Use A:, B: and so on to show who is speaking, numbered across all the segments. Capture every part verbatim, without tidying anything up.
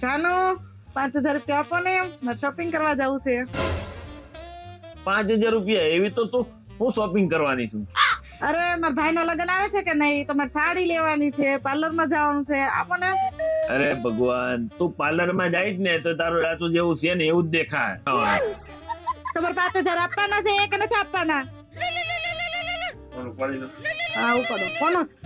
A: જાનો પાંચ હજાર રૂપિયા આપો ને, મારે શોપિંગ કરવા જવું છે.
B: પાંચ હજાર રૂપિયા એવી તો તું હું શોપિંગ કરવાની છું?
A: અરે મારા ભાઈના લગ્ન આવે છે કે નહીં, તો મારે સાડી લેવાની છે, પાર્લરમાં જવાનું છે, આપો ને.
B: અરે ભગવાન, તું પાર્લર માં જાય જ ને તો તારું રાતું જેવું છે ને એવું જ દેખાય.
A: તમારે પાંચ હજાર આપવાના છે કે નથી આપવાના? હા ઉપાડો. કોનો છે?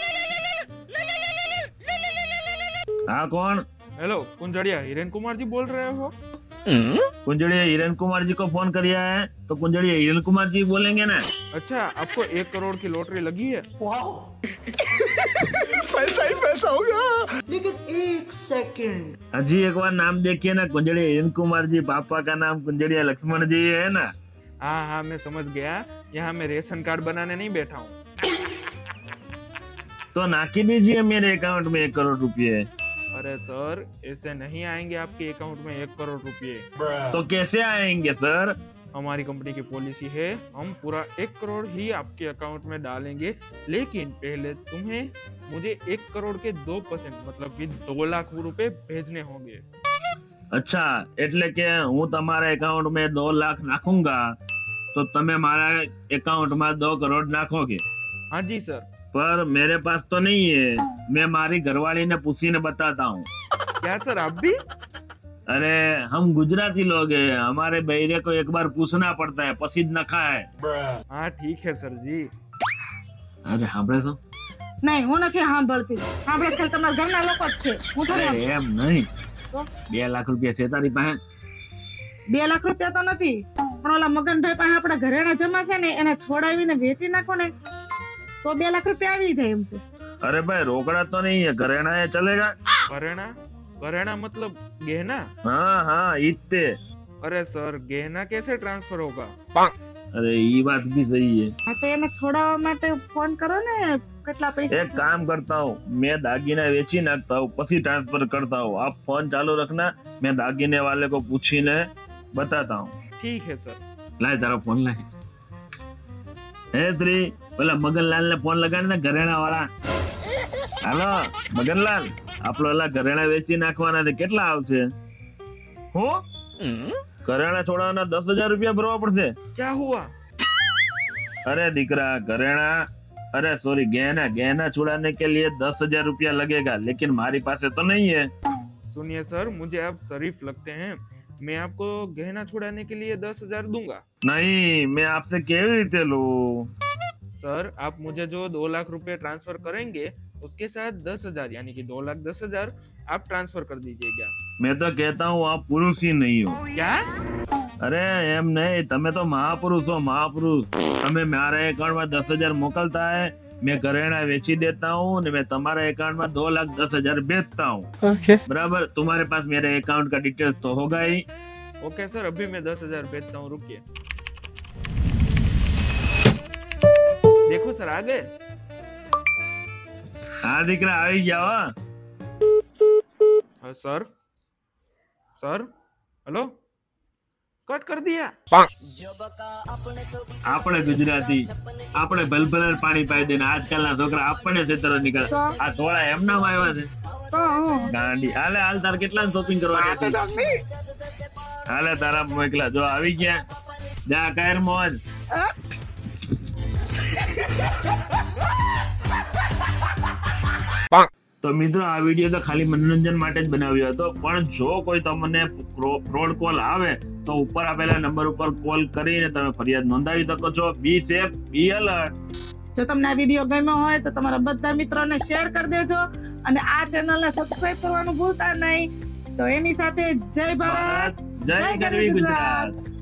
B: हाँ कौन?
C: हेलो कुंजड़िया, हिरेन कुमार जी बोल रहे हो?
B: कुंजड़िया हिरेन कुमार जी को फोन किया है तो कुंजड़िया हिरेन कुमार जी बोलेंगे ना.
C: अच्छा, आपको एक करोड़ की लॉटरी लगी है?
D: पैसा ही पैसा होगा. लेकिन एक सेकंड,
B: अजी एक बार नाम देखिए ना, कुंजड़िया हिरेन कुमार जी, पापा का नाम कुंजड़िया लक्ष्मण जी है ना.
C: हाँ हाँ मैं समझ गया, यहाँ मैं रेशन कार्ड बनाने नहीं बैठा हूँ.
B: तो नाकी दीजिए मेरे अकाउंट में एक करोड़ रुपए.
C: अरे सर, ऐसे नहीं आएंगे आपके अकाउंट में एक करोड़ रुपए.
B: तो कैसे आएंगे सर?
C: हमारी कंपनी की पॉलिसी है, हम पूरा एक करोड़ ही आपके अकाउंट में डालेंगे, लेकिन पहले तुम्हें मुझे एक करोड़ के दो परसेंट मतलब कि दो लाख रुपए भेजने होंगे.
B: अच्छा, એટલે કે હું તમારા એકાઉન્ટ में दो लाख નાખूंगा तो તમે મારા એકાઉન્ટ में दो करोड़ નાખोगे.
C: हाँ जी सर.
B: पर मेरे पास तो नहीं है, मैं मारी घरवाली ने पूछीने बताता हूँ.
C: क्या सर, आप भी?
B: अरे हम गुजराती लोग हैं, हमारे बहरे को एक बार पूछना पड़ता है પછી જ નખાય.
C: हाँ ठीक है सर जी.
B: અરે સાંભળે છો?
A: નહીં હું નથી સાંભળતી. સાંભળે ખાલી તમારા ઘરના લોકો જ છે, હું
B: અરે
A: થોડી.
B: એમ નહીં,
A: તો?
B: બે લાખ રૂપિયા છે તારી પાસે?
A: બે લાખ રૂપિયા તો નથી, પણ ઓલા મગનભાઈ પાસે આપણા ઘરેણા જમા છે ને, એને છોડાવીને વેચી નાખો ને તો બે લાખ રૂપિયા આવી જાય એમ છે.
B: अरे भाई रोकड़ा तो नहीं है, घरेणा है, चलेगा?
C: घरेणा? घरेणा मतलब गहना?
B: हाँ हाँ इतने.
C: अरे सर, गहना कैसे ट्रांसफर होगा?
B: अरे ये बात भी सही है.
A: હા તો એને છોડાવવા માટે ફોન કરો ને, કેટલા પૈસા.
B: एक काम करता हूँ, मैं दागीना वेची नाखता हूँ પછી ट्रांसफर करता हूँ. आप फोन चालू रखना, मैं दागीने वाले को पूछीने बताता हूँ.
C: ठीक है सर.
B: लाए तारा फोन लाए. हे श्री, પેલા મગનલાલ ને ફોન લગાડ ને, ઘરેણા વાળા. હાલો મગનલાલ, આપણો ઓલા ઘરેણા વેચી નાખવાના છે, કેટલા આવશે? હું ઘરેણા છોડાવવાના દસ હજાર રૂપિયા ભરવા પડશે.
C: क्या हुआ?
B: अरे दिकरा घरेणा, अरे सॉरी गहना, गहना छुड़ाने के लिए दस हजार रुपया लगेगा, लेकिन हमारी पास तो नहीं है.
C: सुनिए सर, मुझे आप शरीफ लगते हैं, मैं आपको गहना छुड़ाने के लिए दस हजार दूंगा.
B: नहीं, मैं आपसे केवी रीते लूं?
C: सर, आप मुझे जो दो लाख रुपए ट्रांसफर करेंगे उसके साथ दस हजार यानी कि दो लाख दस हजार आप ट्रांसफर कर दीजिएगा.
B: मैं तो कहता हूँ आप पुरुष ही नहीं हो.
C: क्या?
B: अरे एम नहीं, તમે તો મહાપુરુષ हो, મહાપુરુષ. તમે મારા એકાઉન્ટ में दस हजार मोकलता है, मैं घरेणा वेची देता हूँ ने मैं तुम्हारे अकाउंट में दो लाख दस हजार भेजता हूँ.
D: okay.
B: बराबर, तुम्हारे पास मेरे अकाउंट का डिटेल्स तो होगा ही.
C: ओके सर, अभी मैं दस हजार भेजता हूँ, रुकिए. देखो सर, आ गए.
B: हाँ દીકરા આવી ગયા હો.
C: हाँ, सर सर हेलो, कट कर दिया.
B: આપણે ગુજરાતી, આપણે ભલભલર પાણી પાઈ દે ને આજકાલના છોકરા આપણને છેતરો નીકળે. આ થોડા એમના આવ્યા છે
A: તો હું
B: ગાંડી. હાલે હાલ તાર કેટલા શોપિંગ કરવા હતી? હાલે તારા મોકલા જો આવી ગયા. જા કાયર મોજ. તો મિત્રો આ વિડીયો તો ખાલી મનોરંજન માટે જ બનાવ્યો હતો, પણ જો કોઈ તમને ફ્રોડ કોલ આવે તો ઉપર આપેલા નંબર ઉપર કોલ કરીને તમે ફરિયાદ નોંધાવી શકો છો. Be safe, be alert.
A: જો તમને આ વિડીયો ગમ્યો હોય તો તમારા બધા મિત્રોને શેર કરી દેજો અને આ ચેનલને સબસ્ક્રાઇબ કરવાનું ભૂલતા નહીં. તો એની સાથે જય ભારત,
B: જય ગરવી ગુજરાત.